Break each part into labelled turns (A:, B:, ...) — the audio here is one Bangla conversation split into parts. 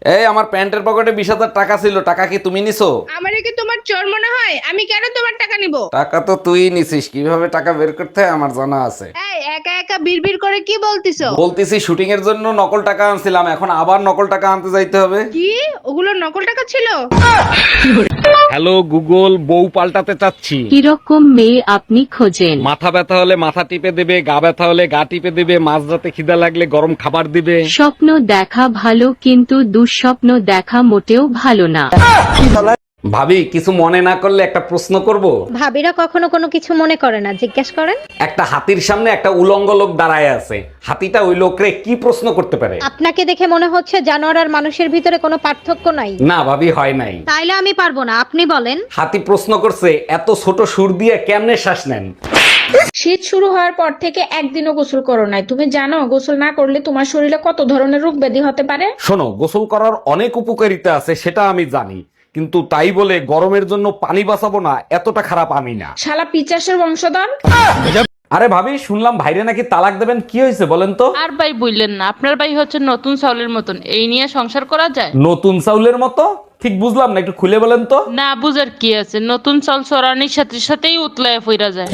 A: এই আমার প্যান্টের পকেটে 20,000 টাকা ছিল, টাকা কি তুমি নিছো?
B: আমারে কি তোমার চোর মনে হয়? আমি কেন তোমার টাকা নিব?
A: টাকা তো তুই নিছিস, কিভাবে টাকা বের করতে হয় আমার জানা আছে।
B: এই একা একা বিড়বিড় করে কি বলতিছো?
A: বলতেছি শুটিং এর জন্য নকল টাকা আনছিলাম, এখন আবার নকল টাকা আনতে যাইতে হবে।
B: কি ওগুলো নকল টাকা ছিল?
A: হ্যালো গুগল, বউ পাল্টাতে চাচ্ছি।
C: কিরকম মেয়ে আপনি খোঁজেন?
A: মাথা ব্যথা হলে মাথা টিপে দেবে, গা ব্যথা হলে গা টিপে দেবে, মাঝরাতে খিদা লাগলে গরম খাবার দিবে।
C: স্বপ্ন দেখা ভালো কিন্তু দুঃস্বপ্ন দেখা মোটেও ভালো না।
A: ভাবি কিছু মনে না করলে একটা প্রশ্ন করব।
D: ভাবিরা কখনো কোনো কিছু মনে করে না, জিজ্ঞেস করেন।
A: একটা হাতির সামনে একটা উলঙ্গ লোক দাঁড়ায় আছে, হাতিটা ওই লোকরে কি প্রশ্ন করতে পারে?
D: আপনাকে দেখে মনে হচ্ছে জানোয়ার আর মানুষের ভিতরে কোনো পার্থক্য নাই।
A: না ভাবি, হয় নাই।
D: তাইলে আমি পারবো না, আপনি বলেন।
A: হাতি প্রশ্ন করছে, এত ছোট সুর দিয়ে কেমনে শ্বাস নেন?
E: শীত শুরু হওয়ার পর থেকে একদিনও গোসল করো নাই, তুমি জানো গোসল না করলে তোমার শরীরে কত ধরনের রোগ ব্যাধি হতে পারে?
A: শোনো, গোসল করার অনেক উপকারিতা আছে সেটা আমি জানি, কিন্তু তাই বলে গরমের জন্য পানি বাঁচাবো না এতটা খারাপ আমি না।
E: শালা পিচাসের বংশধর।
A: আরে ভাবি, শুনলাম ভাইরে নাকি তালাক দেবেন, কি হয়েছে বলেন তো?
F: আর ভাই বললেন না, আপনার ভাই হচ্ছে নতুন চাউলের মতন, এই নিয়ে সংসার করা যায়?
A: নতুন চাউলের মতো? ঠিক বুঝলাম না, একটু খুলে বলেন তো।
F: না বুঝার কি আছে, নতুন চাল চড়ানির সাথে সাথেই উতলায় ফিরা যায়।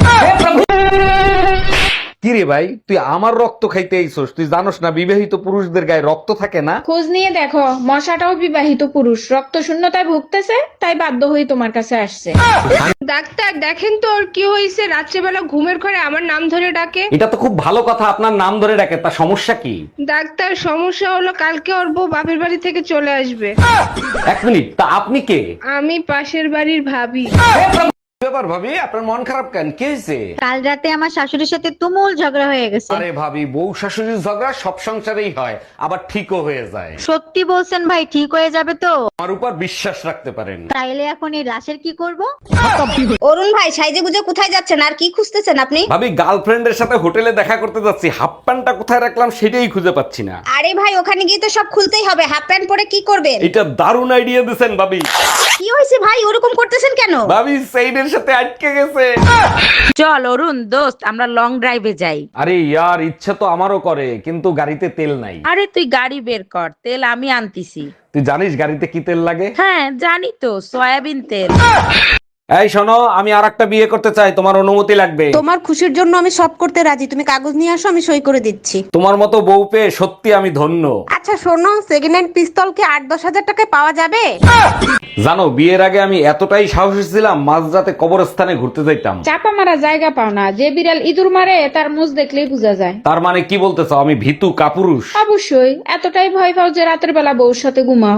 A: কি রে ভাই, তুই আমার রক্ত খাইতে আইছস? তুই জানোস না বিবাহিত পুরুষদের গায়ে রক্ত থাকে না?
E: খোঁজ নিয়ে দেখো, মশাটাও বিবাহিত পুরুষ, রক্ত শূন্যতায় ভুগতেছে, তাই বাধ্য হয়ে তোমার কাছে আসছে।
B: ডাক্তার দেখেন তো ওর কি হয়েছে, রাত্রেবেলা ঘুমের ঘরে আমার নাম ধরে ডাকে।
A: এটা তো খুব ভালো কথা, আপনার নাম ধরে ডাকে, তা সমস্যা কি?
B: ডাক্তার সমস্যা হলো কালকে ওর বউ বাপের বাড়ি থেকে চলে আসবে।
A: এক মিনিট, তা আপনি কে?
B: আমি পাশের বাড়ির ভাবি।
A: ব্যাপার ভাবি, আপনার মন খারাপ কেন, কি হয়েছে?
D: কাল রাতে আমার শাশুড়ির সাথে তুমুল ঝগড়া হয়ে গেছে।
A: আরে ভাবি, বউ শাশুড়ির ঝগড়া সব সংসারেই হয়, আবার ঠিকও হয়ে যায়।
D: সত্যি বলছেন ভাই, ঠিক হয়ে যাবে তো?
A: আমার উপর বিশ্বাস রাখতে পারেন।
D: তাইলে এখন এই লাশের কি করব?
G: অরুণ ভাই, সাইজে গুজে কোথায় যাচ্ছেন আর কি খুঁজতেছেন আপনি?
A: ভাবি, গার্লফ্রেন্ডের সাথে হোটেলে দেখা করতে যাচ্ছি, হাফ প্যান্টটা কোথায় রাখলাম সেটাই খুঁজে পাচ্ছি না।
G: আরে ভাই, ওখানে গিয়ে তো সব খুলতেই হবে, হাফ প্যান্ট পরে কি করবেন?
A: এটা দারুণ আইডিয়া দিছেন ভাবি।
G: কি হয়েছে ভাই, ওরকম করতেছেন কেন?
A: ভাবি সেইনের সাথে আটকে গেছে।
H: চল অরুণ দোস্ত, আমরা লং ড্রাইভে যাই।
A: আরে ইয়ার, ইচ্ছে তো আমারও করে, কিন্তু গাড়িতে তেল নাই।
H: আরে তুই গাড়ি বের কর, তেল আমি আনতিছি।
A: তুই জানিস গাড়িতে কি তেল লাগে?
H: হ্যাঁ জানি তো, সয়াবিন তেল।
A: এই শোনো, আমি আরেকটা বিয়ে করতে চাই, তোমার অনুমতি লাগবে।
G: তোমার খুশির জন্য আমি সব করতে রাজি, তুমি কাগজ নিয়ে আসো, আমি সই করে দিচ্ছি।
A: তোমার মতো বউ পেয়ে সত্যি আমি ধন্য।
G: আচ্ছা শোনো, সেকেন্ড হ্যান্ড পিস্তল কি 8-10 হাজার টাকায় পাওয়া যাবে?
A: জানো, বিয়ের আগে আমি এতটাই সাহসী ছিলাম, মাঝরাতে কবরস্থানে ঘুরতে যাইতাম।
E: চাপা মারা জায়গা পাও না, যে বিড়াল ইঁদুর মারে তার মুখ দেখলেই বোঝা যায়।
A: তার মানে কি বলতে চাও, আমি ভীতু কাপুরুষ?
E: অবশ্যই, এতটাই ভয় পাও যে রাতের বেলা বউর সাথে ঘুমাও।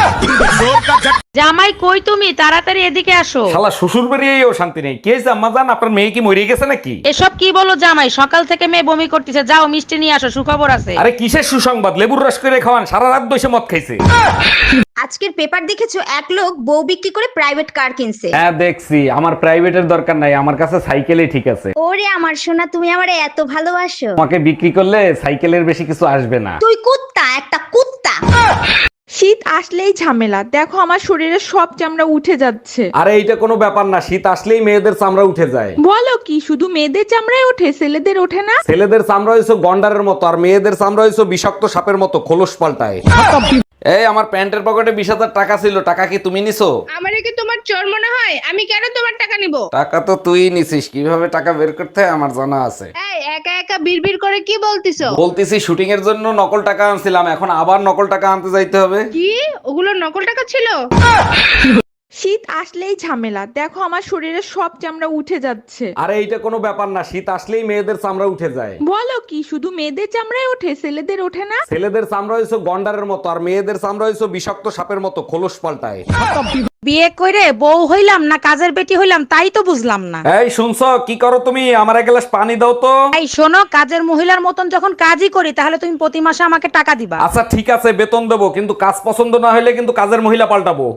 H: জামাই কই তুমি, তাড়াতাড়ি এদিকে আসো।
A: শালা শ্বশুর বাড়িয়েও শান্তি নেই। কি হয়েছে আম্মা জান, আপনার মেয়ে কি মরে গেছে নাকি?
H: এসব কি বলো জামাই, সকাল থেকে মেয়ে বমি করতেছে, যাও মিষ্টি নিয়ে আসো, সুখবর আছে।
A: আরে কিসের সুসংবাদ, লেবুর রস করে খাওয়ান, সারা রাত বসে মদ খাইছে।
G: আজকের পেপার দেখেছো, এক লোক বউ বিক্রি করে প্রাইভেট কার কিনছে।
A: হ্যাঁ দেখছি, আমার প্রাইভেটের দরকার নাই, আমার কাছে সাইকেলই ঠিক আছে।
G: ওরে আমার সোনা, তুমি আমারে এত ভালোবাসো।
A: আমাকে বিক্রি করলে সাইকেলের বেশি কিছু আসবে না।
G: তুই কুত্তা, একটা কুত্তা।
I: শীত আসলেই ঝামেলা, দেখো আমার শরীরে সব চামড়া উঠে যাচ্ছে।
A: আরে এইটা কোনো ব্যাপার না, শীত আসলেই মেয়েদের চামড়া উঠে যায়।
I: বলো কি, শুধু মেয়েদের চামড়ায় ওঠে, ছেলেদের ওঠে না?
A: ছেলেদের চামড়া হইছে গন্ডারের মতো, আর মেয়েদের চামড়া হইছে বিষাক্ত সাপের মতো, খোলস পাল্টায়। এই আমার প্যান্টের পকেটে 20,000 টাকা ছিল, টাকা কি তুমি নিছো?
B: আমারে কি তোমার চোর মনে হয়? আমি কেন তোমার টাকা নিব?
A: টাকা তো তুই নিছিস, কিভাবে টাকা বের করতে হয় আমার জানা আছে।
B: এই একা একা বিড়বিড় করে কি বলতিছো?
A: বলতেছি শুটিং এর জন্য নকল টাকা আনছিলাম, এখন আবার নকল টাকা আনতে যাইতে হবে।
B: কি ওগুলো নকল টাকা ছিল?
I: শীত আসলেই ঝামেলা, দেখো আমার শরীরে সব চামড়া উঠে যাচ্ছে।
A: আরে এইটা কোনো ব্যাপার না, শীত আসলেই মেয়েদের চামড়া উঠে যায়।
I: বলো কি, শুধু মেয়েদের চামড়ায় ওঠে, ছেলেদের ওঠে না?
A: ছেলেদের চামড়া হইছে গন্ডারের মতো, আর মেয়েদের চামড়া হইছে বিষাক্ত সাপের মতো, খোলস পাল্টায়।
H: বিয়ে করে বউ হইলাম না কাজের বেটি হইলাম, তাই তো বুঝলাম না।
A: এই শুনছো, কি করো তুমি? আমার এক গ্লাস পানি দাও তো।
H: এই শোনো, কাজের মহিলার মতন যখন কাজই করি, তাহলে তুমি প্রতি মাসে আমাকে টাকা দিবা।
A: আচ্ছা ঠিক আছে, বেতন দেবো, কিন্তু কাজ পছন্দ না হলে কিন্তু কাজের মহিলা পাল্টাবো।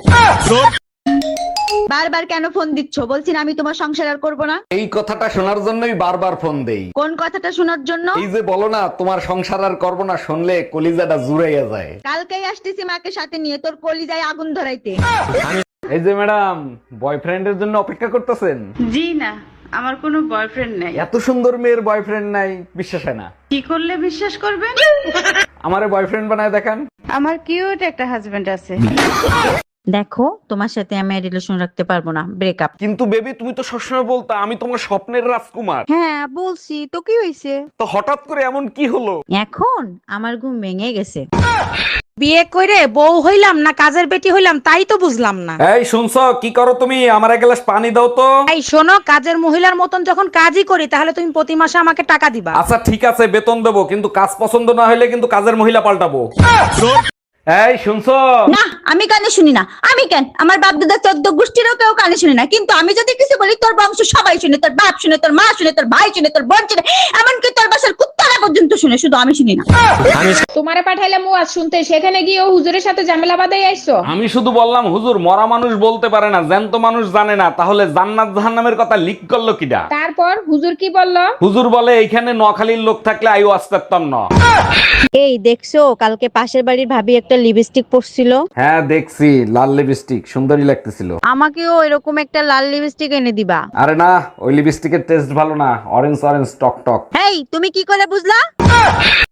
D: বারবার কেন ফোন দিচ্ছ? বলছি না আমি তোমার সংসার আর করবো না।
A: এই কথাটা শোনার জন্যই বারবার ফোন দেই।
D: কোন কথাটা শোনার জন্য?
A: এই যে বলো না তোমার সংসার আর করবো না, শুনলে কলিজাটা জুড়াইয়া যায়।
D: কালকেই আসতেছি মাকে সাথে নিয়ে, তোর কলিজায় আগুন ধরাইতে।
A: এই যে ম্যাডাম, বয়ফ্রেন্ডের জন্য অপেক্ষা করতেছেন?
F: জি না, আমার কোনো বয়ফ্রেন্ড নাই।
A: এত সুন্দর মেয়ের বয়ফ্রেন্ড নাই, বিশ্বাস হয় না।
F: কি করলে বিশ্বাস করবেন?
A: আমারে বয়ফ্রেন্ড বানায় দেখান।
H: আমার কিউট একটা হাজবেন্ড আছে।
D: দেখো তোমার সাথে আমি রিলেশন রাখতে পারবো না, ব্রেকআপ।
A: কিন্তু বেবি তুমি তো সবসময় বলতা আমি তোমার স্বপ্নের রাজকুমার।
H: হ্যাঁ বলছি তো, কি হয়েছে?
A: তো হঠাৎ করে এমন কি হলো?
D: এখন আমার ঘুম ভেঙে গেছে।
H: বিয়ে করে বউ হইলাম না কাজের বেটি হইলাম তাই তো বুঝলাম না।
A: এই শুনছো, কি করো তুমি? আমার এক গ্লাস পানি দাও তো।
H: এই শোনো, কাজের মহিলার মতন যখন কাজই করি তাহলে তুমি প্রতি মাসে আমাকে টাকা দিবা।
A: আচ্ছা ঠিক আছে, বেতন দেবো, কিন্তু কাজ পছন্দ না হলে কিন্তু কাজের মহিলা পাল্টাবো। এই শুনছো?
D: না আমি কানে শুনি না। আমি কেন, আমার বাপ দাদা 14 গোষ্ঠীরও কেউ কানে শুনি না, কিন্তু আমি যদি কিছু বলি তোর বংশ সবাই শুনে, তোর বাপ শুনে, তোর মা শুনে, তোর ভাই শুনে, তোর বোন শুনে, এমনকি তোর বাসার কুত্তারা পর্যন্ত শুনে, শুধু আমি শুনি না।
E: তোমারে পাঠাইলাম ওয়াজ শুনতে, সেখানে গিয়ে ও হুজুরের সাথে ঝামেলা বাঁধাই আইছো।
A: আমি শুধু বললাম হুজুর মরা মানুষ বলতে পারে না, জ্যান্ত মানুষ জানে না, তাহলে জান্নাত জাহান্নামের কথা লিক করলো কিডা?
E: তারপর হুজুর কি বললো?
A: হুজুর বলে এইখানে নোয়াখালীর লোক থাকলে আইও আসতাম না।
D: এই দেখছো কালকে পাশের বাড়ির ভাবি একটা লিপস্টিক পরছিল?
A: হ্যাঁ দেখছি, লাল লিপস্টিক সুন্দরী লাগতেছিল।
D: আমাকেও এরকম একটা লাল লিপস্টিক এনে দিবা।
A: আরে না, ওই লিপস্টিকের টেস্ট ভালো না, অরেঞ্জ অরেঞ্জ টক টক।
D: এই তুমি কি করে বুঝলা?